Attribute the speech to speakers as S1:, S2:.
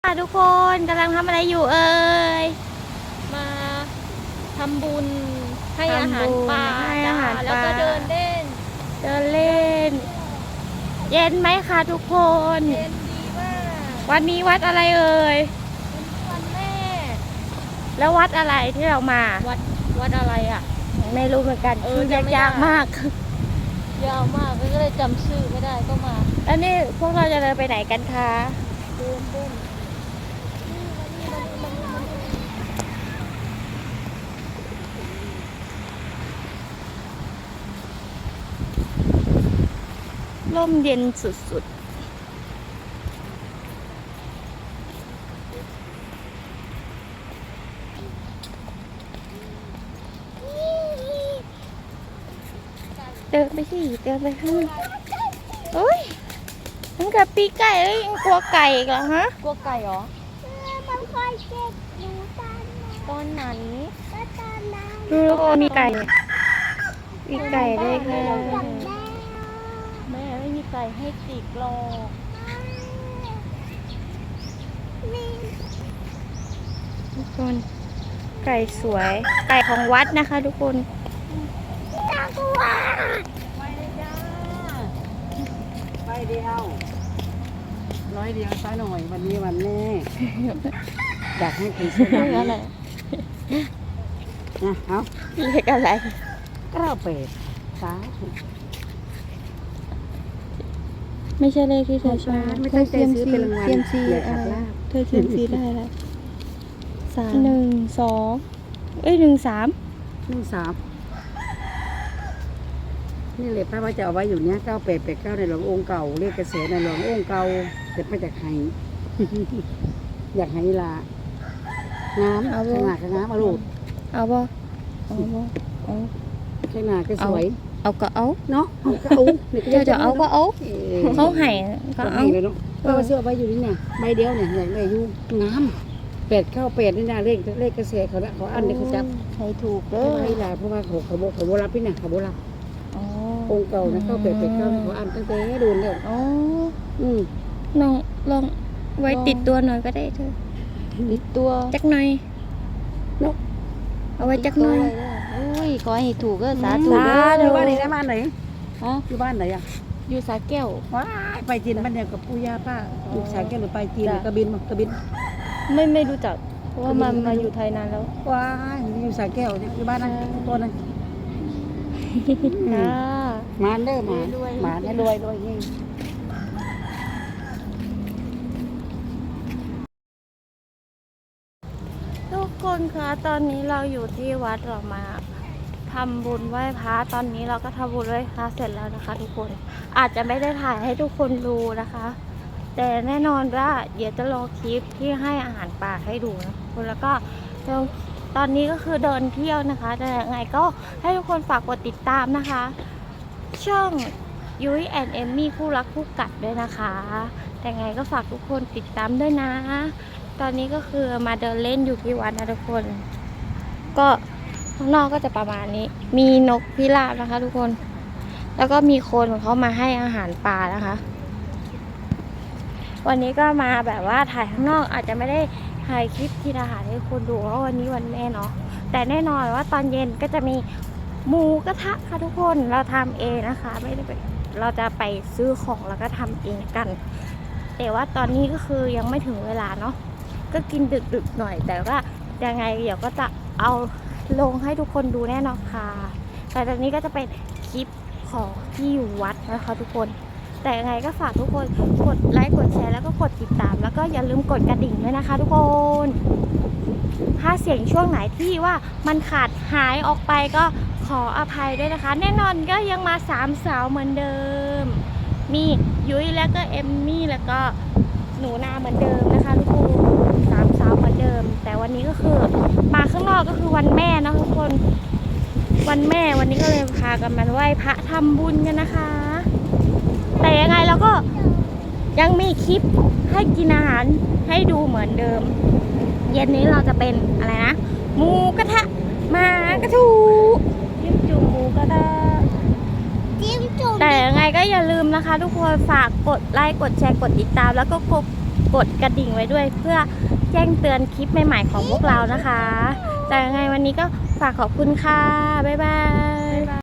S1: ทุกคนกำลังทำอะไรอยู่เอ่ย
S2: มาทำบุญให้อาหารปลาแล้วก็เดินเล่น
S1: เย็นไหมคะทุกคน
S2: เย็นดีมาก
S1: วันนี้วัดอะไรเอ่ย
S2: วันแม่
S1: แล้ววัดอะไรที่เรามา
S2: วัดอะไรอ่ะ
S1: ไม่รู้เหมือนกันชื่อยากมาก
S2: ยาวมากก็เลยจำชื่อไม่ได้ก็มา
S1: แล้วนี่พวกเราจะเดินไปไหนกันคะ
S2: เดินเล่น
S1: ร่มเย็นสุดๆเดินไปสิเดินไปข้างโอ้ยมันกับปีไก่เลยยังกลัวไก่อีกเหรอฮะ
S2: กลัวไก่เหรอ
S3: มันคอยเจ็บอยู่
S2: ตอนไหน
S3: ตอนนั้น
S1: ดูแล้วก็มีไก่ด้วยค่ะ
S2: แม่ไม่มีไก่ให้จิกหรอก
S1: ทุกคนไก่สวยไก่ของวัดนะคะทุกคน
S3: น่ากลัว
S2: ไปเลยจ้า
S4: ไปเดียวร้อยเดียวซะหน่อยวันนี้วันแม่อยากให้คุณช่วย
S1: อะไร
S4: นะเอา
S1: เลขอะไร
S4: 98
S1: ไม่ใช่เลขที่เธอชอบ
S4: ไม่ตั้งใจซื้อเป็นรางวัล
S1: เซียมซี
S4: อย่าขัดลาบ
S1: เธอเซียมซีได้แล้ว1 2 1 3
S4: นี่เลยป้าว่าจะเอาไว้อยู่เนี้ย9889ในหลวงองค์เก่าเลขกระแสในหลวงองค์เก่าจะไม่จากไห้ อยากให้ลางามเอาขนาดงามมาลูก
S1: เอาบ่เอา
S4: ขนาดก็สวย
S1: เอาก็เอา
S4: เนาะก็เอา
S1: จะเอาก็เอาเขาให้ก็เอา
S4: เลยเนาะก็เสื้อไว้อยู่นี่เนี่ยใบเดียวเนี่ยอยากได้อยู่งาม898นี่นะเลขกระแสเขาละเขาอันนี้เขาจับ
S1: ให้ถูกเด้อ
S4: ให้ลาเพราะว่าเขาโบรับพี่น่ะเขาโบรับองค์เก่านะ9889เขาอันตั้งแต่โดนแล้ว
S1: อ๋อลองไว้ติดตัวหน่อยก็ได้เธอ
S2: ติดตัว
S1: จักหน่อย
S4: เนาะ
S1: เอาไว้จักหน่อย
S2: อุ้ยขอให้ถูกก็สาธุ
S4: อยู่บ้านไหนนะบ้านไหน
S2: ฮะ
S4: อยู่บ้านไหนอ่ะ
S2: อยู่สาแก้ว
S4: ว้ายไปจีนบ้านเดียวกับปู่ย่าป้าอยู่สาแก้วหรือไปจีนกระบิน
S2: ไม่รู้จักเพราะว่ามาอยู่ไทยนานแล้ว
S4: ว้ายอยู่สาแก้วอยู่บ้านนั้นตัวนั้นมาเด้อมาเนี่ยรวยนี่
S1: ทุกคนคะตอนนี้เราอยู่ที่วัดเรามาทำบุญไหว้พระตอนนี้เราก็ทำบุญไหว้พระเสร็จแล้วนะคะ ทุกคนอาจจะไม่ได้ถ่ายให้ทุกคนดูนะคะ แต่แน่นอนว่าเดี๋ยวจะรอคลิปที่ให้อาหารปลาให้ดูนะคุณแล้วก็ตอนนี้ก็คือเดินเที่ยวนะคะแต่ยังไงก็ให้ทุกคนฝากกดติดตามนะคะช่องยุ้ยแอนเอมมี่คู่รักคู่กัดด้วยนะคะแต่ไงก็ฝากทุกคนติดตามด้วยนะตอนนี้ก็คือมาเดินเล่นอยู่ที่วัดนะทุกคนก็ข้างนอกก็จะประมาณนี้มีนกพิราบนะคะทุกคนแล้วก็มีคนเขามาให้อาหารปลานะคะวันนี้ก็มาแบบว่าถ่ายข้างนอกอาจจะไม่ได้ถ่ายคลิปที่อาหารให้คนดูเพราะวันนี้วันแม่เนาะแต่แน่นอนว่าตอนเย็นก็จะมีหมูกระทะค่ะทุกคนเราทำเองนะคะไม่ได้เราจะไปซื้อของแล้วก็ทำเองกันแต่ว่าตอนนี้ก็คือยังไม่ถึงเวลาเนาะก็กินดึกๆหน่อยแต่ว่ายังไงเดี๋ยวก็จะเอาลงให้ทุกคนดูแน่นอนค่ะแต่ตอนนี้ก็จะเป็นคลิปของที่อยู่วัดนะคะทุกคนแต่ยังไงก็ฝากทุกคนกดไลค์กดแชร์แล้วก็กดติดตามแล้วก็อย่าลืมกดกระดิ่งด้วยนะคะทุกคนถ้าเสียงช่วงไหนที่ว่ามันขาดหายออกไปก็ขออภัยด้วยนะคะแน่นอนก็ยังมา3 สาวเหมือนเดิมมียุ้ยแล้วก็เอมมี่แล้วก็หนูนาเหมือนเดิมนะคะทุกคน3 สาวเหมือนเดิมแต่วันนี้ก็คือมาข้างนอกก็คือวันแม่นะทุกคนวันแม่วันนี้ก็เลยพากันมาไหว้พระทำบุญกันนะคะแต่ยังไงเราก็ยังมีคลิปให้กินอาหารให้ดูเหมือนเดิมเย็นนี้เราจะเป็นอะไรนะหมูกระทะมากระทูจิ้มจุ่มหมูกระทะแต่ยังไงก็อย่าลืมนะคะทุกคนฝากกดไลค์กดแชร์กดติดตามแล้วก็กดกดกระดิ่งไว้ด้วยเพื่อแจ้งเตือนคลิปใหม่ๆของพวกเรานะคะแต่ยังไงวันนี้ก็ฝากขอบคุณค่ะบ๊ายบาย